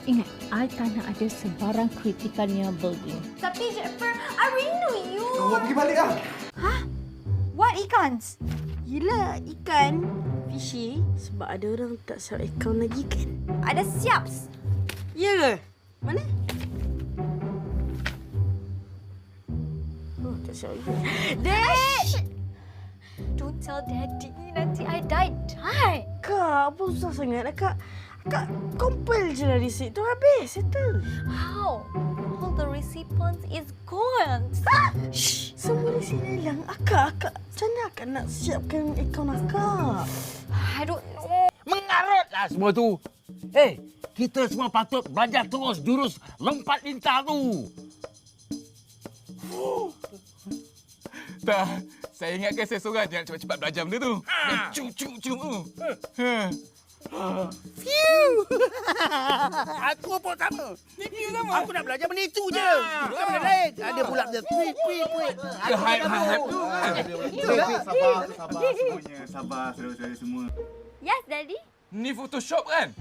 Ingat, I tak nak ada sebarang kritikannya building. Tapi Jennifer, I really know you. Awak pergi balik lah. Hah? What ikans? Gila, ikan fishy sebab ada orang tak share account lagi kan? Ada siaps. Ya ke? Mana? Oh, tak share lagi. Dad! Don't tell Daddy. Nanti I die. Kak, apa susah sangat lah, Kak? Kak, compile je lah receipt tu habis. Settle. How? All the recipients is gone. Shh, semua receipt hilang. Akak. Macam mana Akak nak siapkan akaun Akak? I don't know. Mengarutlah semua tu. Kita semua patut belajar terus jurus lompat lintah tu. Tak, saya ingatkan saya seorang je nak cepat-cepat belajar benda tu. Cum tu. Aku pun sama. Aku nak belajar benda itu je. Bukan benda lain. Ada pula benda tweet. Hype. Sabar semuanya. Sabar saudara-saudara semua. Yes, Daddy? Ni Photoshop kan?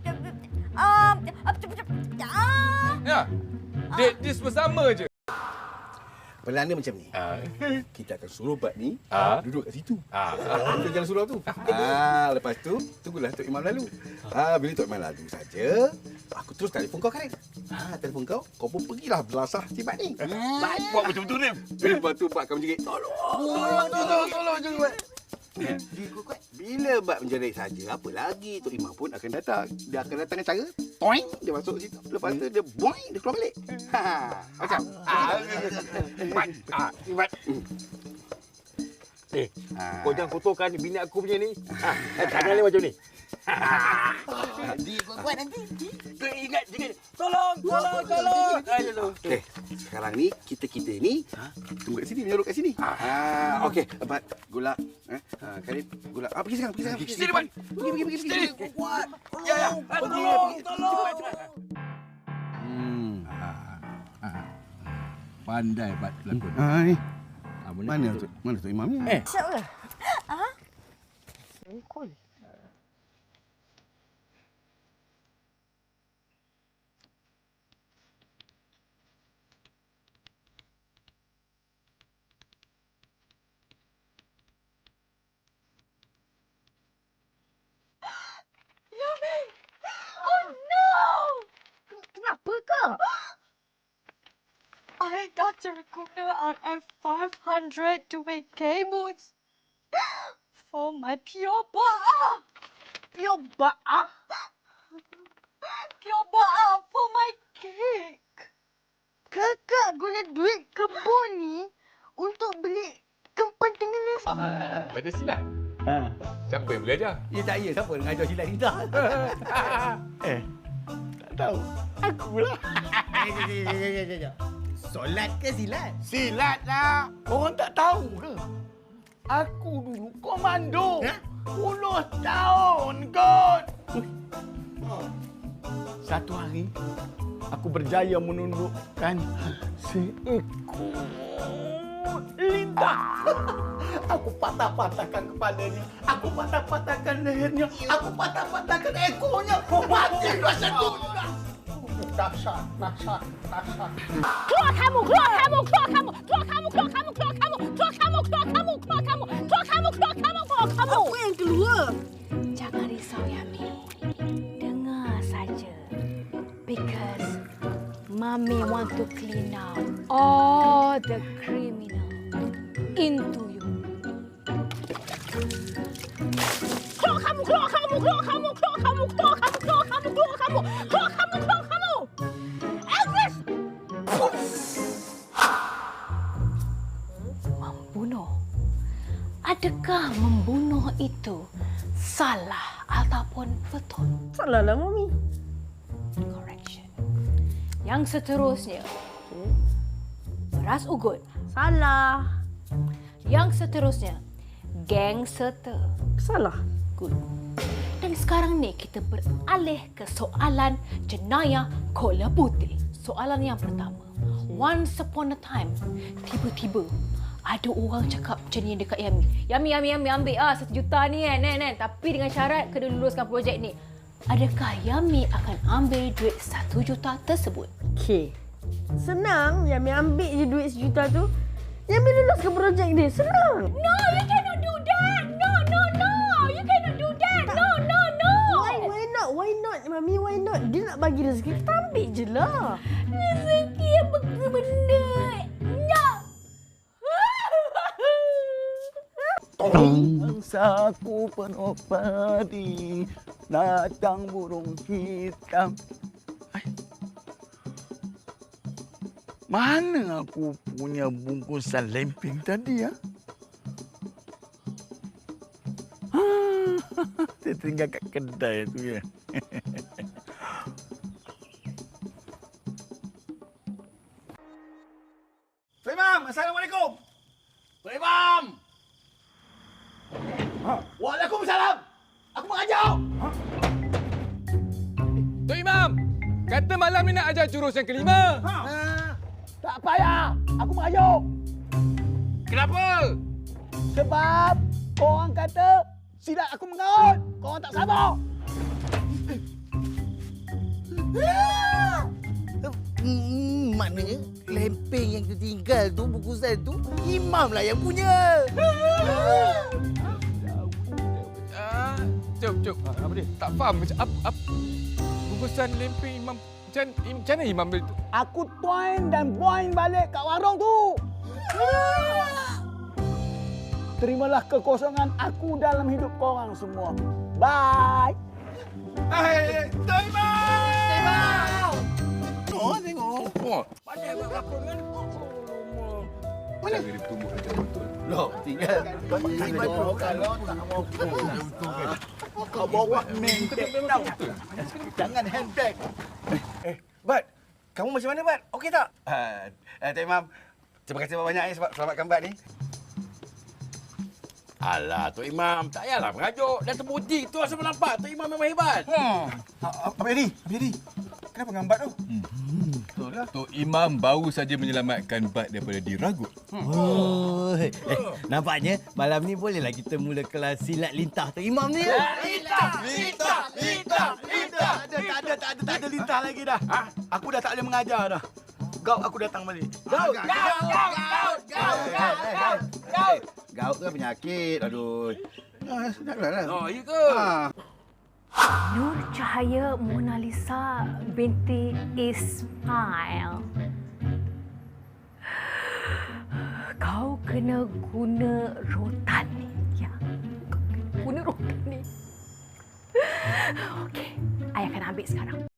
Ya. Dia semua sama je. Pelan dia macam ni. Kita akan suruh Bat ni duduk kat situ. Kita jalan surau tu. Lepas tu, tunggulah Tok Imam lalu. Bila Tok Imam lalu saja, aku terus telefon kau, Karim. Telefon kau pun pergilah belasah si Bat ni. Buat macam tu ni. Lepas tu Bat akan menjerit, tolong je Bat. Bila Bat menjerit saja, apa lagi Tok Imam pun akan datang. Dia akan datang dengan cara, toing, dia masuk situ. Lepas tu dia boing, dia keluar balik. Macam. Bat. Kau jangan kotorkan bini aku punya ni. Jangan ni macam ni. Kuat nanti. Ingat. Tolong. Okey, sekarang ni kita ni tunggu kat sini, menyorok kat sini. Okey, Bat, Gulak, Karim, Gulak. Pergi sekarang. Sini, Bat. Pergi. Sini. Kuat. Ya. Tolong. Cepat. Pandai Bat pelakon. Ni. Mana tu Imam ni? Siapa? Kenapa kak? I got to recorder on F500 to make cables for my pure ba'a. Pure ba'a for my cake. Kakak guna duit kebun ni untuk beli tempat tinggal Pada silat. Siapa yang boleh ajar? Ya tak ya, siapa yang ajar silat ni dah? Tak tahu. Akulah. Solat ke silat? Silat lah. Korang tak tahu ke? Aku dulu komando. 10 tahun kot. Satu hari, aku berjaya menundukkan seekor lintah. Aku patah-patahkan kepalanya. Aku patah-patahkan lehernya. Aku patah-patahkan ekornya. Mati rasa tu. Dahsyat. Keluar kamu! Apa yang keluar? Jangan risau, Yami. Dengar saja. Because Mami want to clean out all the criminal into you. Keluar kamu! Elvis! Membunuh. Adakah membunuh itu salah ataupun betul? Salah lah, Mami. Correction. Yang seterusnya, beras ugut. Salah. Yang seterusnya, gangster. Salah. Good. Dan sekarang ni kita beralih ke soalan jenayah kola putih. Soalan yang pertama. Once upon a time, tiba-tiba ada orang cakap macam ni dekat Yami. Yami ambil 1 juta ni kan. Tapi dengan syarat kena luluskan projek ni. adakah Yami akan ambil duit 1 juta tersebut? Okey. Senang, Yami ambil je duit 1 juta tu. Yami lulus ke projek dia. Senang. No, you cannot do that. No. You cannot do that. No. Why not, Mami? Why not? Dia nak bagi rezeki, kita ambil je lah. Rezeki apa benda? No. Bangsaku penuh padi, datang burung hitam. Mana aku punya bungkusan lemping tadi, ya? Saya tinggal kat kedai tu, ya. Tok Imam, Assalamualaikum. Tok Imam. Waalaikumsalam. Aku mengajar. Tok Imam, kata malam ni nak ajar jurus yang kelima. Tak payah. Aku mengajar. Kenapa? Sebab korang kata silat aku mengaut. Korang tak sabar. Maknanya lempeng yang tertinggal tu, bungkusan tu, Imam lah yang punya. Cuk. Apa dia? Tak faham macam apa bungkusan lempeng Imam. Macam mana Imam beli tu? Aku tuan dan buang balik kat warung tu. Terimalah kekosongan aku dalam hidup korang semua. Bye. Tok Imam! Oh, tengok. Pandai buat apa kan? Mana dia bertumbuk macam betul? Loh, tinggal. Kalau tak mau kau bawa menteng tau. Jangan handbag. Bat, kamu macam mana, Bat? Okey tak? Tok Imam, terima kasih banyak sebab selamatkan Bat ni. Alah, Tok Imam, tak payahlah mengajuk. Dah terbukti tu asal nampak Tok Imam memang hebat. Abang Edi. Kenapa ngambat tu? Betul lah. Tok Imam baru saja menyelamatkan Bat daripada diragut. Oh, nampaknya malam ni bolehlah kita mula kelas silat lintah Tok Imam ni. Lintah. Tak ada lintah lagi dah. Aku dah tak boleh mengajar dah. Gaut aku datang balik. Gaut. Gaut tu penyakit. Aduh. Janganlah. Oh, iya ke? Nur Cahaya Mona Lisa binti Ismail. Kau kena guna rotan ni. Ya. Kau kena guna rotan ni. Okey, ayah akan ambil sekarang.